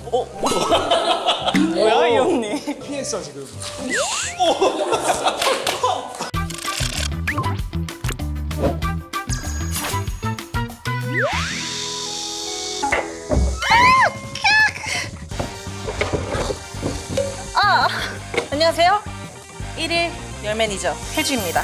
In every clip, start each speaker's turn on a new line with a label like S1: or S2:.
S1: 뭐야 이 언니?
S2: 피했어 지금.
S1: 안녕하세요. 1일 열 매니저 혜주입니다.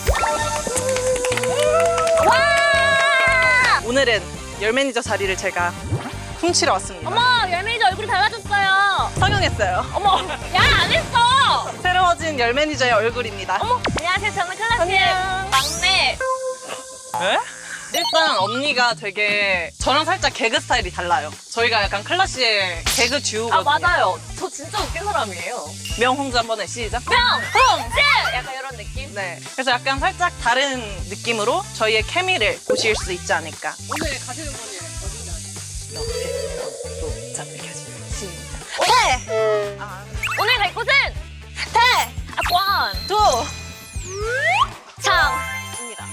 S3: 와!
S1: 오늘은 열 매니저 자리를 제가 훔치러 왔습니다.
S3: 어머, 열 매니저 얼굴이 달라졌어요.
S1: 성형했어요.
S3: 어머, 야, 안 했어.
S1: 새로워진 열 매니저의 얼굴입니다.
S3: 어머, 안녕하세요. 저는 클라스의
S1: 안녕.
S3: 막내.
S1: 네? 일단 언니가 되게 저랑 살짝 개그 스타일이 달라요. 저희가 약간 클라시의 개그 듀오거든요.
S3: 아, 맞아요. 저 진짜 웃긴 사람이에요.
S1: 명홍주 한 번에 시작.
S3: 홍! 약간 이런 느낌?
S1: 네. 그래서 약간 살짝 다른 느낌으로 저희의 케미를 보실 수 있지 않을까.
S4: 오늘 가시는 분이 어디냐?
S1: 자, 이렇게 하시죠. 시작. 네!
S3: 오늘 갈 곳은 태악권
S1: 두!
S3: 창입니다.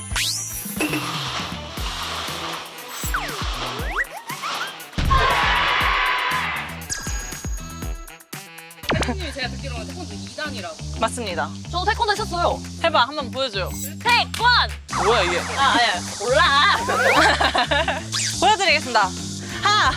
S4: 선생님이 제가 듣기로는 태권도 2단이라고.
S1: 맞습니다.
S3: 저도 태권도 했었어요.
S1: 해봐, 한번 보여줘요.
S3: 태권!
S1: 뭐야, 이게?
S3: 아니야. 몰라.
S1: 보여드리겠습니다. 하나!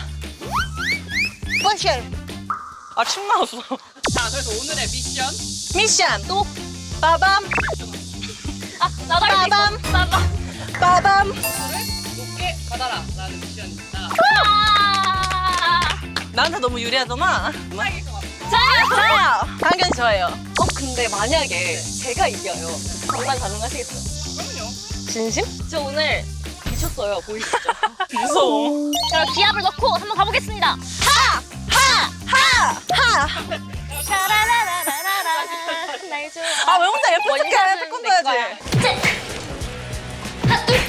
S1: 펀치! 아, 침 나왔어.
S4: 자, 그래서 오늘의 미션.
S1: 미션! 또! 빠밤!
S3: 아, 나도 할수
S1: 빠밤.
S3: 있어. 빠밤.
S1: 빠밤!
S4: 물을 높게 받아라 라는 미션입니다.
S3: 아!
S1: 나한테 너무 유리하잖아.
S4: 사기일 것 같아요.
S1: 자! 당연히 저예요.
S3: 근데 만약에 제가 이겨요. 장난 가능하시겠어요?
S4: 그럼요.
S1: 진심?
S3: 저 오늘 미쳤어요. 보이시죠?
S1: 무서워.
S3: 자, 기압을 넣고 한번 가보겠습니다.
S1: 하! 하!
S3: 샤라라라라라 날 좋아.
S1: 아, 왜 혼자 예쁜 척해?
S3: 원샷은
S1: 태권도
S3: 내 거야.
S1: 해야지.
S3: 셋! 하나, 둘!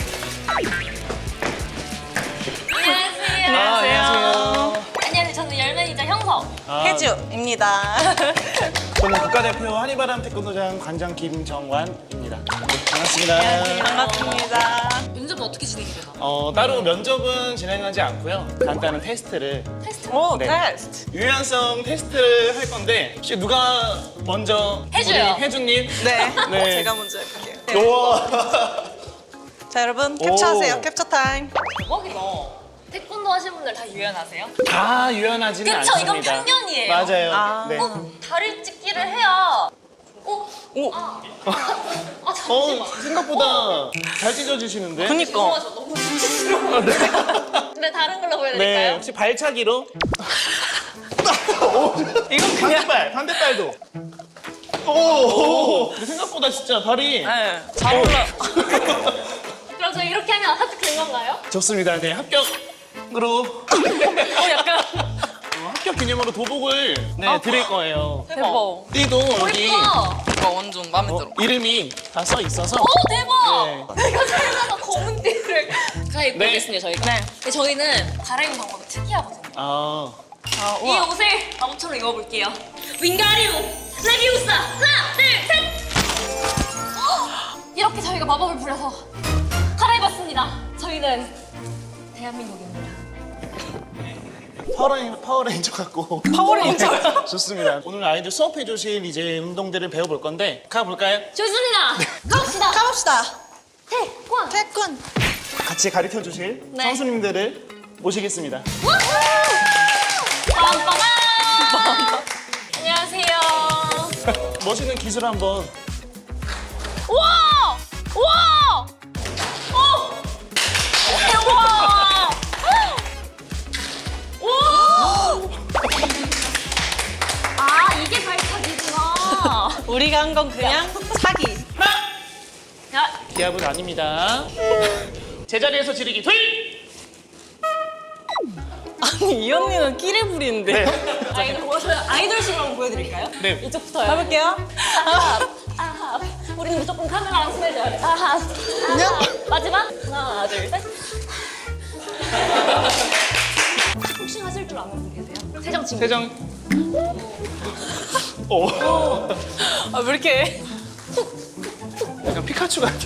S3: 안녕하세요.
S1: 안녕하세요.
S3: 안녕하세요. 저는 열 매니저 형석.
S1: 혜주입니다.
S2: 저는 국가대표 한이바람 태권도장 관장 김정환입니다. 네, 반갑습니다.
S1: 반갑습니다.
S4: 면접은 어떻게 진행이 되나?
S2: 따로 면접은 진행하지 않고요. 간단한 테스트를
S1: 오,
S2: 네.
S1: 테스트.
S2: 유연성 테스트를 할 건데 혹시 누가 먼저
S3: 혜주요.
S2: 우리 혜주님?
S1: 네.
S2: 네.
S1: 제가 먼저 해볼게요.
S2: 우와.
S1: 자, 여러분 캡처하세요.
S2: 오.
S1: 캡처 타임.
S3: 대박이다. 태권도 하신 분들 다 유연하세요?
S2: 다 유연하지는
S3: 그쵸,
S2: 않습니다.
S3: 이건 편견이에요.
S2: 맞아요.
S1: 아.
S2: 네.
S3: 다리 찢기를 해야.
S1: 오,
S3: 잠시만.
S2: 생각보다 잘 찢어지시는데?
S1: 그니까.
S3: 너무 수치스러워. 네, 다른 걸로
S2: 네,
S3: 보여드릴까요?
S2: 혹시 발차기로?
S1: 이건 그냥.
S2: 반대발도. 오. 근데 생각보다 진짜 발이.
S1: 네, 잘 올라.
S3: 그럼 저 이렇게 하면 합격된 건가요?
S2: 좋습니다. 네, 합격으로.
S1: 약간.
S2: 합격 기념으로 도복을 네, 드릴 거예요.
S1: 대박.
S2: 띠도 여기
S1: 이거 완전 마음에 들어.
S2: 이름이 다 써 있어서.
S3: 오, 대박! 내가 살다가 검은 띠를 갈아입고
S2: 네.
S3: 오겠습니다, 저희가.
S1: 네.
S3: 근데 저희는 갈아입는 방법이 특이하거든요.
S2: 아,
S1: 아,
S3: 이
S1: 우와.
S3: 옷을 바보처럼 입어볼게요. 윙가리움 레비우사 하나, 둘, 셋! 헉! 이렇게 저희가 마법을 부려서 갈아입었습니다. 저희는 대한민국입니다.
S2: 파워레인저 같고.
S1: 파워레인저요?
S2: 좋습니다. 오늘 아이들 수업해 주실 이제 운동들을 배워볼 건데 가볼까요?
S3: 좋습니다. 가봅시다.
S1: 가봅시다.
S3: 태권.
S1: 태권.
S2: 같이 가르쳐 주실
S3: 네.
S2: 선수님들을 모시겠습니다.
S3: 빰빠밤. 안녕하세요.
S2: 멋있는 기술 한번.
S3: 우와! 우와! 오! 우와! 우와! 아, 이게 발차기구나.
S1: 우리가 한 건 그냥 사기.
S3: 야,
S2: 기합은 아닙니다. 제자리에서 지르기 둘!
S1: 아니, 이 언니는 끼를 부리는데.
S2: 네.
S3: 아이돌식으로 한번 보여드릴까요?
S2: 네.
S3: 이쪽부터요.
S1: 가볼게요.
S3: 아하. 우리는 무조건 카메라랑 친해져야 돼. 아하. 아하. 마지막. 하나, 둘, 셋. 복싱 하실 줄 아는 분 계세요? 세정 친구.
S2: 세정. 오.
S1: 아, 왜 이렇게.
S2: 약간 피카츄 같아.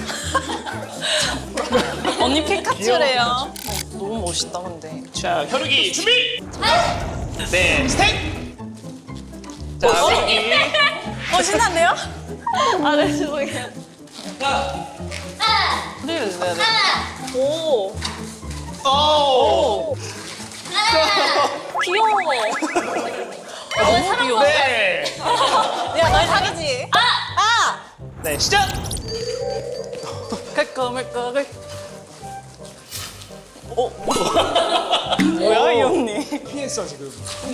S1: 언니 피카츄래요. 너무 멋있다, 근데.
S2: 자, 혈육이 준비! 네, 스텝.
S1: 자, 신난데요?
S3: 아, 네, 죄송해요.
S1: 네네네.
S3: 오,
S2: 오.
S3: 귀여워. 너의 사랑과
S2: 네.
S1: 야, 널 사귀지?
S2: 네, 시작.
S1: 깔끔깔끔. 뭐야, 이 언니?
S2: 피했어 지금.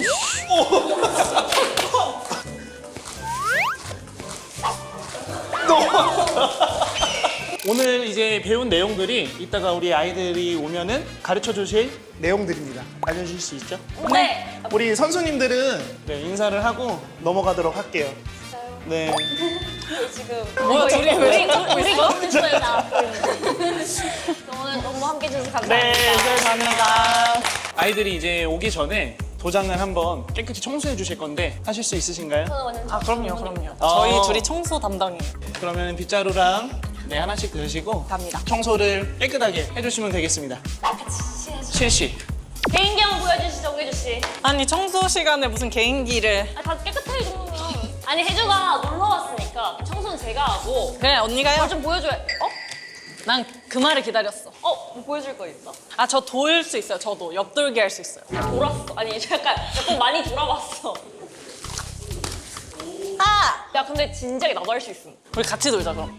S2: 오늘 이제 배운 내용들이 이따가 우리 아이들이 오면은 가르쳐 주실 내용들입니다. 알려주실 수 있죠?
S3: 네.
S2: 우리 선수님들은 네, 인사를 하고 넘어가도록 할게요. 네.
S3: 지금
S1: 뭐야, 둘이 왜
S3: 우리 너무 있어요, 나. 오늘 너무 함께 해주셔서 감사합니다.
S2: 네, 감사합니다. 아이들이 이제 오기 전에 도장을 한번 깨끗이 청소해 주실 건데 하실 수 있으신가요?
S1: 아, 그럼요.
S2: 어.
S1: 저희 둘이 청소 담당이에요.
S2: 그러면 빗자루랑 네, 하나씩 드시고
S1: 갑니다.
S2: 청소를 깨끗하게 해주시면 되겠습니다. 실시.
S3: 개인기 한번 보여주시죠, 우혜주 씨.
S1: 아니, 청소 시간에 무슨 개인기를.
S3: 아, 다 깨끗해, 이 정도면. 아니, 혜주가 놀러 왔으니까 청소는 제가 하고.
S1: 그래, 언니가 해요.
S3: 좀 보여줘야.
S1: 난 그 말을 기다렸어.
S3: 뭐 보여줄 거 있어?
S1: 아, 저 돌 수 있어요. 저도 옆돌기 할 수 있어요.
S3: 돌았어. 아니, 약간 많이 돌아봤어.
S1: 아!
S3: 야, 근데 진작에 나도 할 수 있음.
S1: 우리 같이 놀자, 그럼.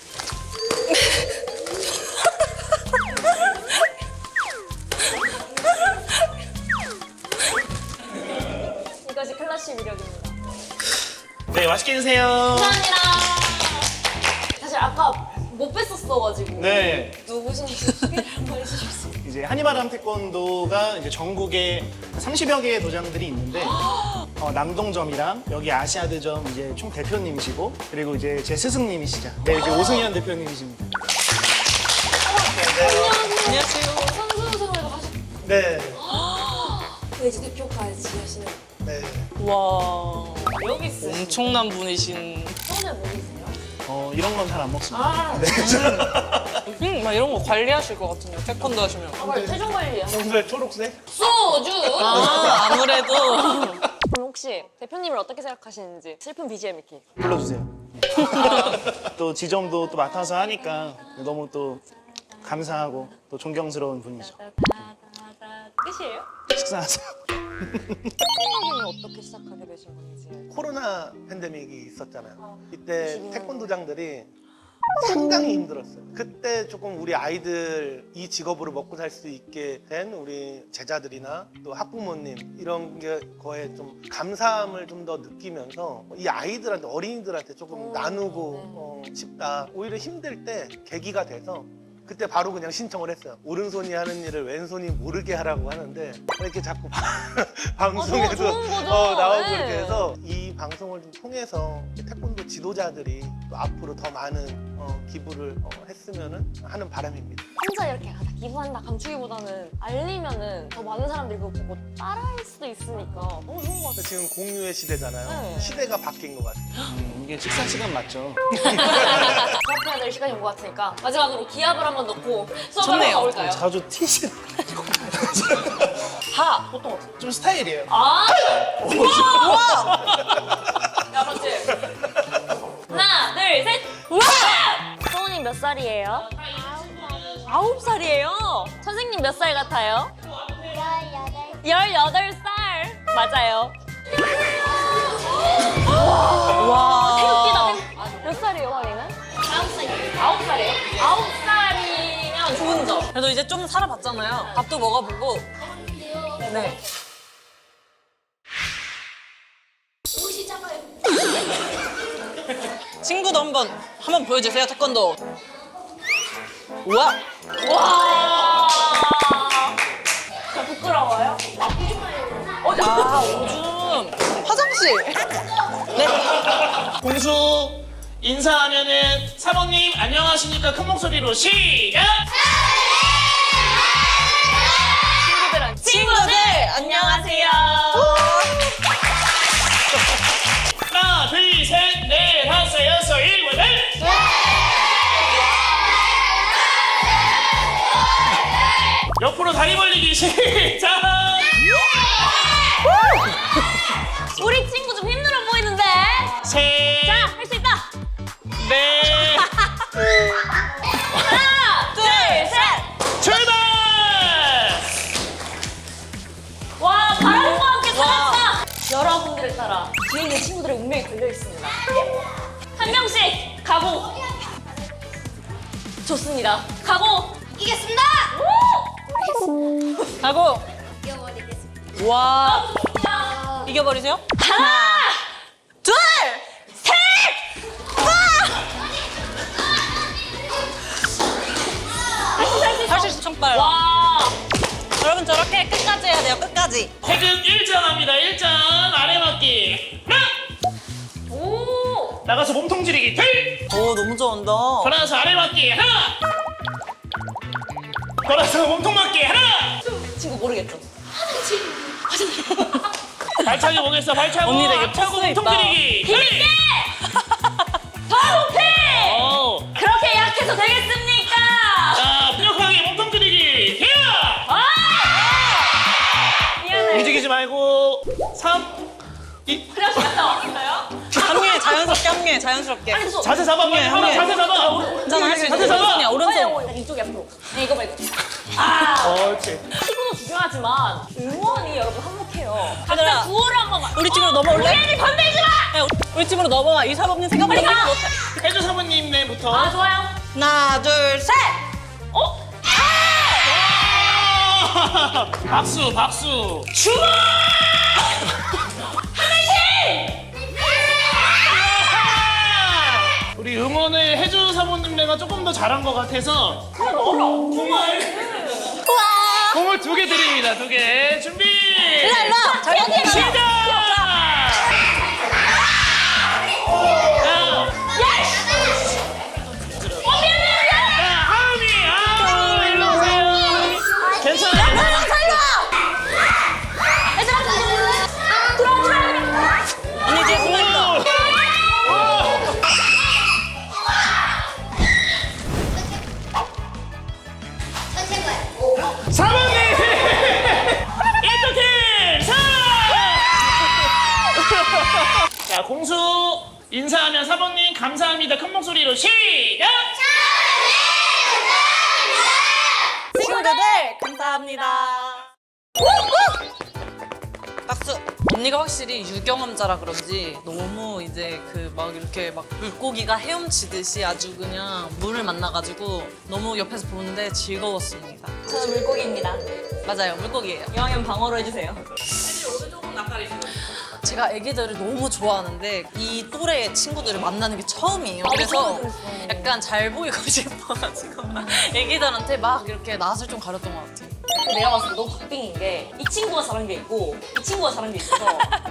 S3: 이것이 클래식 위력입니다.
S2: 네, 맛있게 드세요.
S3: 감사합니다. 사실 아까 못 뺐었어가지고.
S2: 네.
S3: 누구신지 소개를 한번 해주실 수 있어요?
S2: 이제 한이바람 태권도가 이제 전국에 30여 개의 도장들이 있는데 남동점이랑 여기 아시아드점 이제 총 대표님이시고 그리고 이제 제 스승님이시죠. 네, 이제 오승현 대표님이십니다.
S1: 안녕하세요.
S3: 선수 생활도 하시고.
S2: 네.
S3: 이제 대표까지 하시는.
S2: 네.
S1: 와,
S3: 여기 있으시죠?
S1: 엄청난 분이신.
S3: 손을 모르세요?
S2: 이런 건 잘 안 먹습니다.
S3: 아,
S1: 막 이런 거 관리하실 것 같은데요. 태권도 하시면.
S3: 정말 최종 관리야.
S2: 평소에 초록색?
S3: 소주!
S1: 아, 아무래도.
S3: 그럼 혹시 대표님을 어떻게 생각하시는지 슬픈 BGM 이렇게.
S2: 불러주세요. 또 지점도 또 맡아서 하니까 너무 또 감사하고 또 존경스러운 분이죠.
S3: 끝이에요?
S2: 식사하세요.
S3: 태권도는 어떻게 시작하게 되신 건지.
S5: 코로나 팬데믹이 있었잖아요. 이때 태권도장들이 상당히 힘들었어요. 그때 조금 우리 아이들 이 직업으로 먹고 살 수 있게 된 우리 제자들이나 또 학부모님 이런 거에 좀 감사함을 좀 더 느끼면서 이 아이들한테 어린이들한테 조금 나누고 싶다. 오히려 힘들 때 계기가 돼서 그때 바로 그냥 신청을 했어요. 오른손이 하는 일을 왼손이 모르게 하라고 하는데 이렇게 자꾸 방송에도
S3: 좋은 거죠.
S5: 나오고
S3: 네.
S5: 이렇게 해서 이 방송을 좀 통해서 태권도 지도자들이 또 앞으로 더 많은 기부를 했으면 하는 바람입니다.
S3: 혼자 이렇게 다 기부한다 감추기보다는 알리면은 더 많은 사람들이 그거 보고 따라할 수도 있으니까 너무 좋은 것 같아요.
S5: 지금 공유의 시대잖아요.
S3: 네.
S5: 시대가 바뀐 것 같아요.
S2: 이게 식사 시간 맞죠?
S3: 수업해야 될 시간이 온 것 같으니까 마지막으로 기합을 한번 넣고 수업을 한번
S1: 좋네요.
S3: 가볼까요?
S2: 자주 티신
S3: 하! 보통 어떻게?
S2: 좀 스타일이에요.
S3: 아! 야, 맞지? 하나, 둘, 셋! 우와! 서훈이 몇 살이에요? 9살이에요? 선생님 몇 살 같아요? 18살! 맞아요.
S1: 와.
S3: 태극기다. 몇 살이에요, 허리는? 9살이에요. 9살이면 좋은 점.
S1: 그래도 이제 좀 살아봤잖아요. 밥도 먹어보고. 네. 친구도 한번 보여주세요, 태권도. 우와.
S3: 와! 부끄러워요?
S1: 아, 오줌. 화장실. 네.
S2: 공수 인사하면은 사모님 안녕하십니까 큰 목소리로 시작!
S3: 친구들, 안녕하세요.
S2: 하나 둘셋넷 다섯 여섯 일곱 여덟 옆으로 다리 벌리기 시작!
S3: 따라 뒤에 있는 친구들의 운명이 걸려 있습니다. 한 명씩 각오. 좋습니다. 각오.
S6: 이기겠습니다.
S1: 가고.
S6: 이겨버리겠습니다.
S1: 와.
S3: 좋습니다.
S1: 이겨버리세요?
S3: 하나,
S1: 둘!
S3: 셋.
S1: 할 수 있어, 청 빨라.
S3: 와.
S1: 여러분 저렇게 끝까지 해야 돼요, 끝까지.
S7: 태극 1전 합니다. 1전 아래 맞기.
S3: 오.
S7: 나가서 몸통 지르기. 둘.
S1: 오, 너무 좋아한다.
S7: 걸어서 아래 맞기. 하나. 걸어서 몸통 맞기. 하나.
S3: 친구 모르겠죠?
S7: 발차기 보겠어. 발차고.
S1: 언니 되게
S7: 앞차고
S1: 포스
S7: 몸통
S1: 있다.
S7: 지르기.
S3: 힘있게. 더 높이.
S7: 오.
S3: 그렇게 약해서 되겠습니까?
S7: 자, 분역하게 몸통 지르기. 히어.
S3: 아! 미안해.
S7: 움직이지 말고. 3. 2.
S3: 그래서 갔다 왔어요?
S1: 합류해, 자연스럽게 합류해, 자연스럽게.
S3: 아니, 저
S7: 자세 잡아. 빨리 하나 자세 잡아.
S1: 괜찮아, 할 수 있어.
S7: 자세 잡아.
S1: 오른손이야, 오른손.
S3: 이쪽이 앞으로. 네, 이거 말고. 아,
S7: 옳지.
S3: 피구도 중요하지만 응원이 여러분 한몫해요. 각자
S1: 얘들아,
S3: 구호를 한 번만.
S1: 우리 집으로 넘어올래?
S3: 우리 건들지 마!
S1: 야, 우리 집으로 넘어와. 이 사범님 생각보다
S3: 빨리 가!
S1: 못해.
S7: 해주 사모님네부터.
S3: 아, 좋아요.
S1: 하나, 둘, 셋!
S3: 어?
S7: 와! 박수, 박수.
S3: 주먹!
S7: 우리 응원을 해주 사모님네가 조금 더 잘한 것 같아서 공을 2개 드립니다. 2개 준비.
S1: 일로 와! 잘
S3: 여기, 여기.
S7: 시작. 자, 하은이, 일로 오세요. 괜찮아요.
S1: 언니 뒤에 숨어있다.
S6: 선생님.
S7: 사모님! 1등 사! 자, 공수 인사하면 사모님 감사합니다. 큰 목소리로 시작!
S1: 친구들, 감사합니다. 박수! 언니가 확실히 유경험자라 그런지 너무 이제 그 막 이렇게 막 물고기가 헤엄치듯이 아주 그냥 물을 만나가지고 너무 옆에서 보는데 즐거웠습니다.
S3: 저는 물고기입니다.
S1: 맞아요, 물고기예요.
S3: 이왕이면 방어로 해주세요.
S1: 제가 애기들을 너무 좋아하는데 이 또래의 친구들을 만나는 게 처음이에요.
S3: 나도
S1: 그래서
S3: 처음 들었어.
S1: 약간 잘 보이고 싶어가지고 애기들한테 막 이렇게 낯을 좀 가렸던 것 같아요.
S3: 근데 내가 봤을 때 너무 박빙인 게 이 친구가 잘한 게 있고 이 친구가 잘한 게 있어서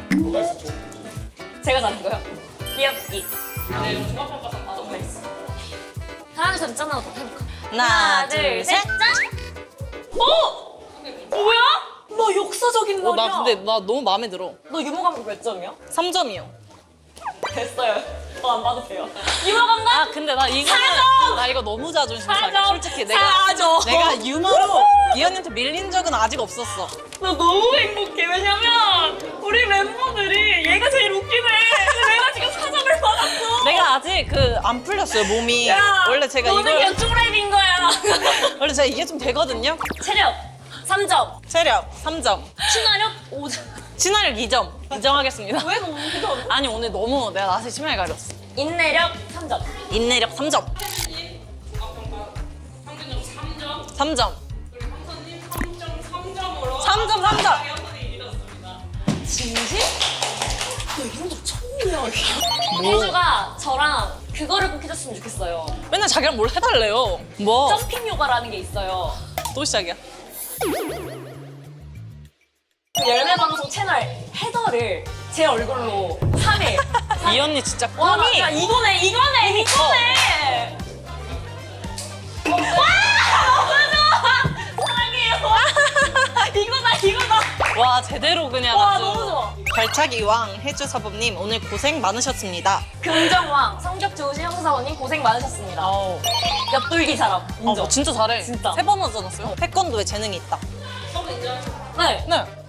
S3: 제가 잘한 거요? 귀엽기. 네, 종합평가상 너무 했어. 하나, 둘, 셋, 짠 하나 더 해볼까?
S1: 하나, 둘, 셋.
S3: 짠! 어? 뭐야? 너 역사적인 말이야.
S1: 나 근데 나 너무 마음에 들어.
S3: 너 유머 감각 몇 점이야?
S1: 3점이요.
S3: 됐어요. 더 안 봐도 돼요. 유머 감각?
S1: 아 근데 나 이거는
S3: 4점!
S1: 나 이거 너무 자존심 상해.
S3: 4점!
S1: 솔직히 내가
S3: 4점!
S1: 내가 유머로 이 언니한테 밀린 적은 아직 없었어.
S3: 나 너무 행복해. 왜냐면 우리 멤버들이 얘가 제일 웃기네. 근데 내가 지금 4점을 받았어.
S1: 내가 아직 그 안 풀렸어요 몸이.
S3: 야,
S1: 원래 제가
S3: 너는
S1: 이걸
S3: 그냥 쪼랩인 거야.
S1: 원래 제가 이게 좀 되거든요.
S3: 체력 3점.
S1: 체력 3점,
S3: 친화력 5점.
S1: 친화력 2점 인정하겠습니다.
S3: 왜 너무 웃겨?
S1: 아니 오늘 너무 내가 낯을 심하게 가렸어.
S3: 인내력 3점.
S1: 인내력 3점. 3점. 3점 3점.
S3: 진심? 너 이런 거 처음이야. 혜주가 저랑 그거를 꼭 해줬으면 좋겠어요.
S1: 맨날 자기랑 뭘 해달래요. 뭐?
S3: 점핑 요가라는 게 있어요.
S1: 또 시작이야.
S3: 그 열매 방송 채널 헤더를 제 얼굴로 3일.
S1: 이 언니 진짜
S3: 와,
S1: 꿈이
S3: 야, 이거네. 와, 너무 좋아. 사랑해요. 이거다.
S1: 와 제대로 그냥
S3: 와,
S1: 아주
S3: 너무 좋아.
S1: 발차기 왕 해주 사범님 오늘 고생 많으셨습니다.
S3: 긍정왕, 성격 좋으신 형사원님 고생 많으셨습니다.
S1: 아우,
S3: 옆돌기 사람 인정.
S1: 진짜 잘해.
S3: 진짜.
S1: 3번 하지 않았어요? 태권도에 재능이 있다.
S3: 네.
S1: 네.